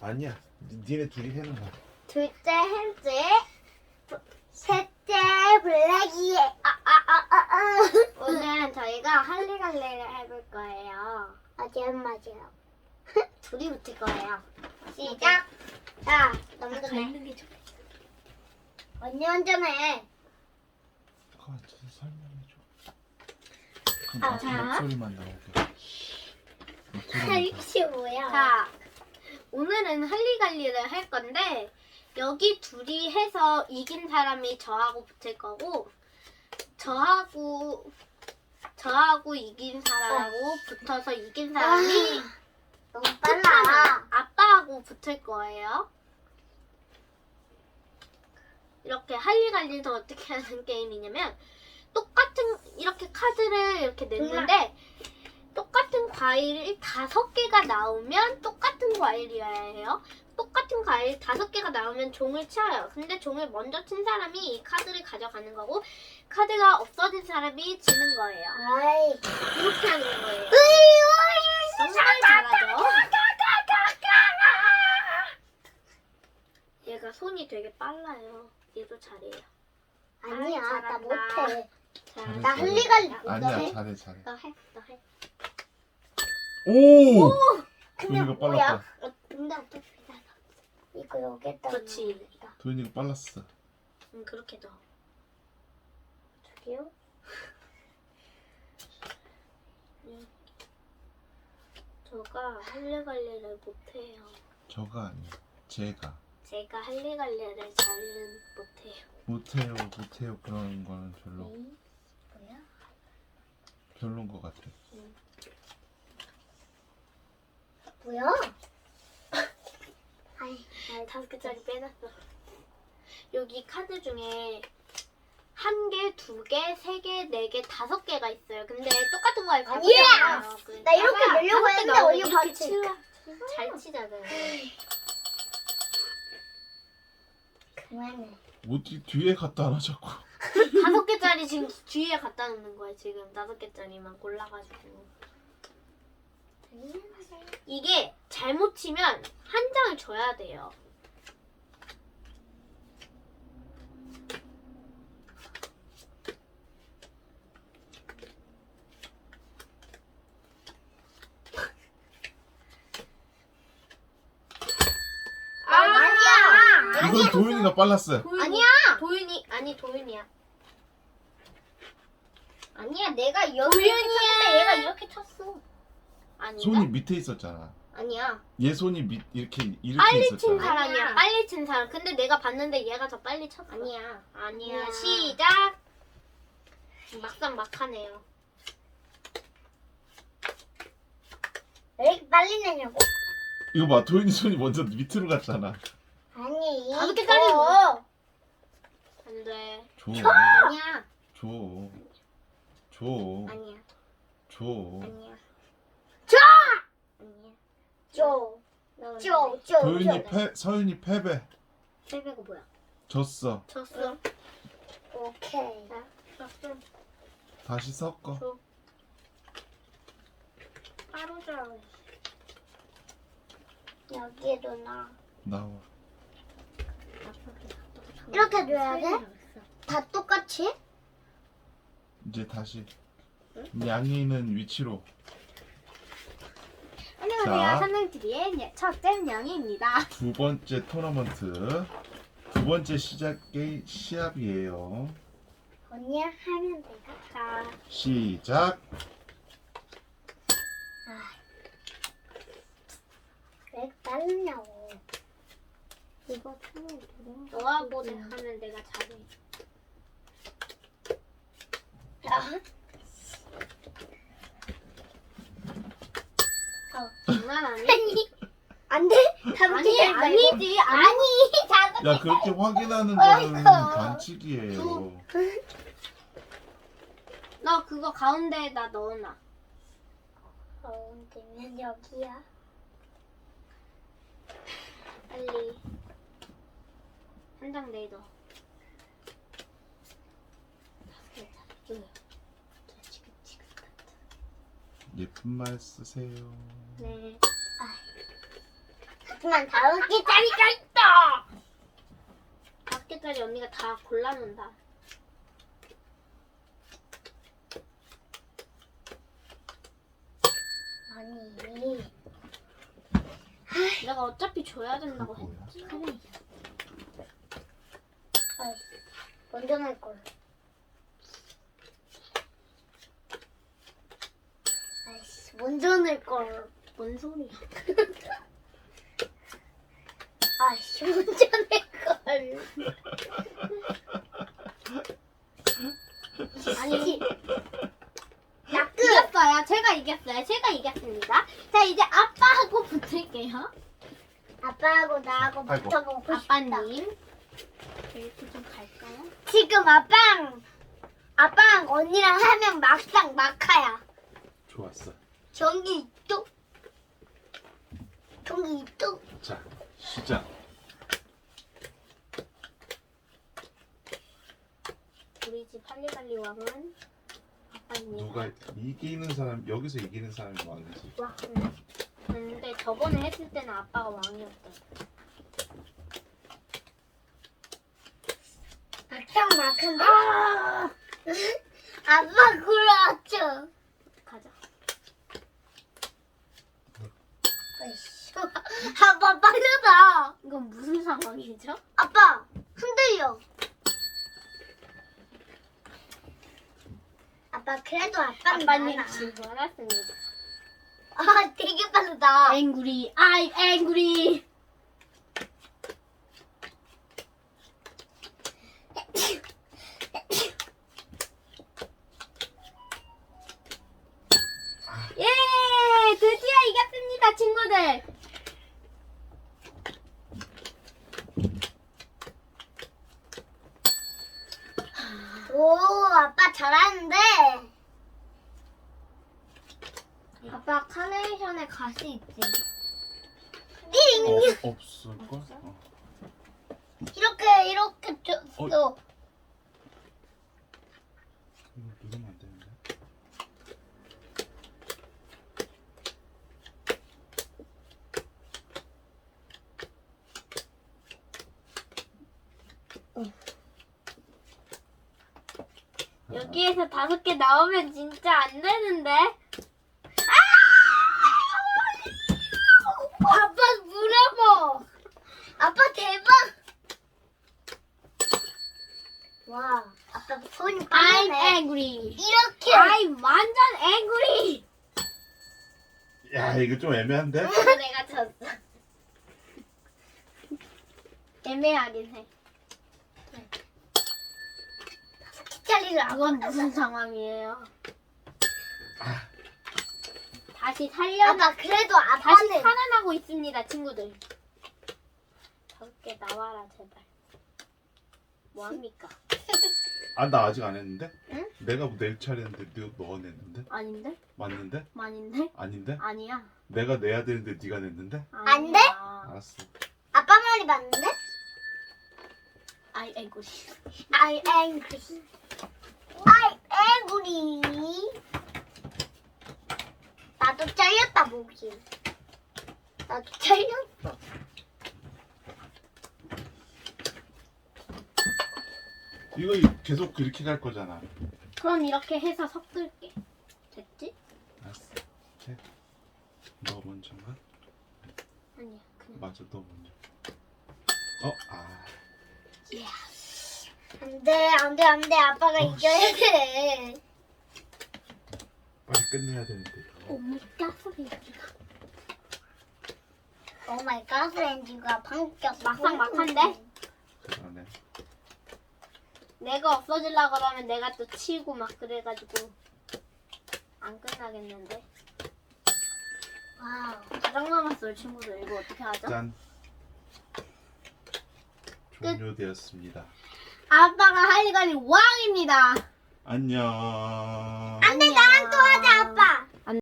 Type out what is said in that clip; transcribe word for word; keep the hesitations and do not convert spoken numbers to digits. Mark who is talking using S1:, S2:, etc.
S1: 아니야. 니- 니네 둘이 해는 거야.
S2: 둘째 햄즈, 셋째 블랙이. 아아아아. 오늘은 저희가 할리갈리를 해볼 거예요. 맞아요, 맞아요. 둘이 붙을 거예요. 시작. 자, 너무 전에.
S3: 게 좋아.
S2: 언니 운전해.
S1: 그거 좀 설명해줘. 그럼
S2: 아,
S1: 아,
S2: 자.
S1: 목소리만 나오게. 목소리만
S2: 할시 뭐야?
S3: 자, 오늘은 할리갈리를 할 건데 여기 둘이 해서 이긴 사람이 저하고 붙을 거고 저하고 저하고 이긴 사람하고 붙어서 이긴 사람이
S2: 너무
S3: 끝나면
S2: 빨라.
S3: 아빠하고 붙을 거예요. 이렇게 할리갈리는 어떻게 하는 게임이냐면 똑같은 이렇게 카드를 이렇게 냈는데 똑같은 과일이 다섯 개가 나오면 똑같은 과일이어야 해요. 똑같은 과일 다섯 개가 나오면 종을 쳐요. 근데 종을 먼저 친 사람이 이 카드를 가져가는 거고 카드가 없어진 사람이 지는 거예요.
S2: 아이.
S3: 이렇게 하는 거예요.
S2: 으이, 으이,
S3: 정말 잘하죠? 얘가 손이 되게 빨라요. 얘도 잘해요.
S2: 아니야,
S3: 아이,
S2: 나
S3: 잘한다.
S2: 못해.
S3: 자,
S1: 잘해,
S2: 나
S1: 잘해.
S2: 할리갈리
S1: 아니야,
S2: 못해.
S1: 잘해, 잘해.
S3: 너 해, 너 해.
S1: 오!
S2: 근데
S1: 도현이가
S2: 뭐야?
S1: 빨랐다.
S2: 어, 근데 어떻게 알아? 이거 여기다
S3: 그렇지.
S2: 넣어야겠다.
S1: 도현이가 빨랐어.
S3: 응, 그렇게 넣어.
S2: 저기요?
S3: 저가 할래갈래를 못해요.
S1: 저가 아니야. 제가.
S3: 제가 할래갈래를 잘은 못해요.
S1: 못해요, 못해요. 그런 거는 별로
S2: 에이, 뭐야?
S1: 별론 것 같아.
S2: 뭐야? 아이, 아이,
S3: 다섯 개짜리 빼놨어. 여기 카드 중에 한 개, 두 개, 세 개, 네 개, 다섯 개가 있어요. 근데 똑같은 거에 가져가요.
S2: 아니야! 나 이렇게 넣으려고 했는데 언니
S3: 이렇게
S2: 봤지?
S3: 치워. 잘 치잖아요.
S2: 그만해.
S1: 어디 뒤에 갖다 놔 자꾸.
S3: 다섯 개짜리 지금 뒤에 갖다 놓는 거예요. 지금 다섯 개짜리만 골라가지고. 이게 잘못 치면 한 장을 줘야 돼요.
S2: 아, 아니야!
S1: 이건 도현이가 빨랐어요.
S3: 도윤이,
S2: 아니야!
S3: 도윤이 아니 도윤이야.
S2: 아니야, 내가 여기 이렇게
S3: 도윤이야.
S2: 쳤는데 얘가 이렇게 쳤어.
S3: 아닌가?
S1: 손이 밑에 있었잖아.
S2: 아니야.
S1: 얘 손이 밑 이렇게 이렇게
S3: 빨리 친
S1: 있었잖아.
S3: 사람이야.
S2: 아니야.
S3: 빨리 친 사람. 근데 내가 봤는데 얘가 더 빨리 쳤어.
S2: 아니야.
S3: 아니야.
S2: 아니야.
S3: 시작. 막상 막하네요.
S2: 왜 이렇게 빨리 내냐고?
S1: 이거 봐, 도현이 손이 먼저 밑으로 갔잖아.
S2: 아니.
S3: 다섯
S2: 개
S3: 개짜리
S2: 줘.
S3: 안 돼.
S1: 줘,
S2: 아니야.
S1: 줘, 줘,
S2: 아니야.
S1: 줘.
S2: 아니야. 줘! 아니야. 줘. 줘, 줘,
S1: 도현이
S2: 줘.
S1: 패, 서윤이 패배.
S3: 세배가 뭐야?
S1: 졌어.
S3: 쳤어.
S2: 오케이.
S3: 쳤어.
S1: 다시 섞어.
S3: 줘. 따로 줘.
S2: 여기에도 나.
S1: 나와.
S2: 이렇게 줘야 돼? 다 똑같이?
S1: 이제 다시 양이는 위치로.
S3: 안녕하세요.
S1: 자.
S3: 산능티비의 첫째 명희입니다.
S1: 두 번째 토너먼트 두 번째 시작 게 시합이에요.
S2: 언니 하면 내가.
S3: 자,
S1: 시작.
S2: 왜 빠르냐고.
S3: 이거 좀 너하고 내 하면 내가 잘해.
S2: 야.
S3: 장난 아니?
S2: 아니. 안 돼? 다섯
S3: 아니
S2: 개짜리 말고.
S3: 아니지. 아니.
S2: 아니. 다섯
S1: 야, 그렇게 확인하는 거는 반칙이에요.
S3: 너 그거 가운데에다 넣어놔.
S2: 가운데면 여기야.
S3: 빨리. 한 장 내더.
S1: 예쁜 말 쓰세요.
S3: 네.
S2: 하지만 다섯 개짜리가 있다.
S3: 다섯 개짜리 언니가 다 골라놓는다.
S2: 아니.
S3: 내가 어차피 줘야 된다고
S1: 뭐야?
S3: 했지.
S2: 아이씨, 먼저 낼 걸. 아이씨, 먼저 낼 걸.
S3: 뭔 소리야?
S2: 아이씨, 먼저 낼 걸.
S3: 아니,
S2: 야, 끝.
S3: 이겼어요. 제가 이겼어요. 제가 이겼습니다. 자, 이제 아빠하고 붙을게요.
S2: 아빠하고 나하고
S1: 아이고.
S2: 붙어보고 싶다.
S3: 아빠님. 이렇게 좀 갈까요?
S2: 지금 아빠랑 아빠랑 언니랑 하면 막상 막하야.
S1: 좋았어.
S2: 전기 이쪽, 전기 이쪽.
S1: 자, 시작.
S3: 우리 집 할리갈리 왕은 아빠님.
S1: 누가 이기는 사람 여기서 이기는 사람이 왕이지.
S3: 와. 응. 근데 저번에 했을 때는 아빠가 왕이었대.
S2: 막상 막한데. 아! 아빠 골라왔죠.
S3: 가자.
S2: 아이씨, 아빠 빨려다.
S3: 이건 무슨 상황이죠?
S2: 아빠 흔들려. 아빠 그래도 아빠는
S3: 아빠님
S2: 많아.
S3: 지고 알았습니다.
S2: 아 되게 빠르다.
S3: 앵구리, 아이 앵구리. 예, 드디어 이겼습니다, 친구들.
S2: 오 아빠 잘하는데.
S3: 아빠 카네이션에 가시 있지?
S2: 띵
S1: 어, 없을 걸?
S3: 없어?
S1: 어.
S2: 이렇게 이렇게 줬어.
S1: 이거 누르면 안 되는데.
S3: 여기에서 다섯 개 나오면 진짜 안 되는데?
S2: 아빠 물어봐. 아빠 대박. 와 아빠 손이
S3: I'm
S2: 빠르네.
S3: angry.
S2: 이렇게.
S3: I'm 완전 angry.
S1: 야, 이거 좀 애매한데?
S3: 내가 졌어. 애매하긴 해.
S2: 짜리를
S3: 그건
S2: 아빠
S3: 무슨 상황이에요? 다시 살려
S2: 아빠 그래도
S3: 다시
S2: 아빠는
S3: 살아나고 있습니다, 친구들. 다섯 개 나와라 제발. 뭐 합니까?
S1: 아, 나 아직 안 했는데?
S3: 응?
S1: 내가 낼 차례인데 너, 너가 냈는데?
S3: 아닌데?
S1: 맞는데?
S3: 아닌데?
S1: 아닌데?
S3: 아니야.
S1: 내가 내야 되는데 네가 냈는데?
S2: 안 돼?
S3: 아니야.
S1: 알았어.
S2: 아빠 말이 맞는데?
S3: I angry.
S2: I angry. I angry. 나도 잘렸다 목이. 나도 잘렸어.
S1: 이거 계속 그렇게 갈 거잖아.
S3: 그럼 이렇게 해서 섞을게. 됐지?
S1: 알았어. 오케이. 너 먼저가?
S3: 아니야. 그냥.
S1: 맞아, 너 먼저. 어, 아.
S3: 예.
S2: 안돼 안돼 안돼 아빠가
S1: 어,
S2: 이겨야 돼.
S1: 빨리 끝내야 되는데. 이거.
S3: 오미가 소리가.
S2: 오 마이 갓 렌즈가 방격
S3: 막상 막한데?
S1: 그러네.
S3: 내가 없어지려고 그러면 내가 또 치고 막 그래가지고 안 끝나겠는데.
S2: 와우.
S3: 가장 남았어요, 친구들. 이거 어떻게 하죠?
S1: 짠. 종료되었습니다.
S3: 아빠가 할리갈리 왕입니다.
S1: 안녕.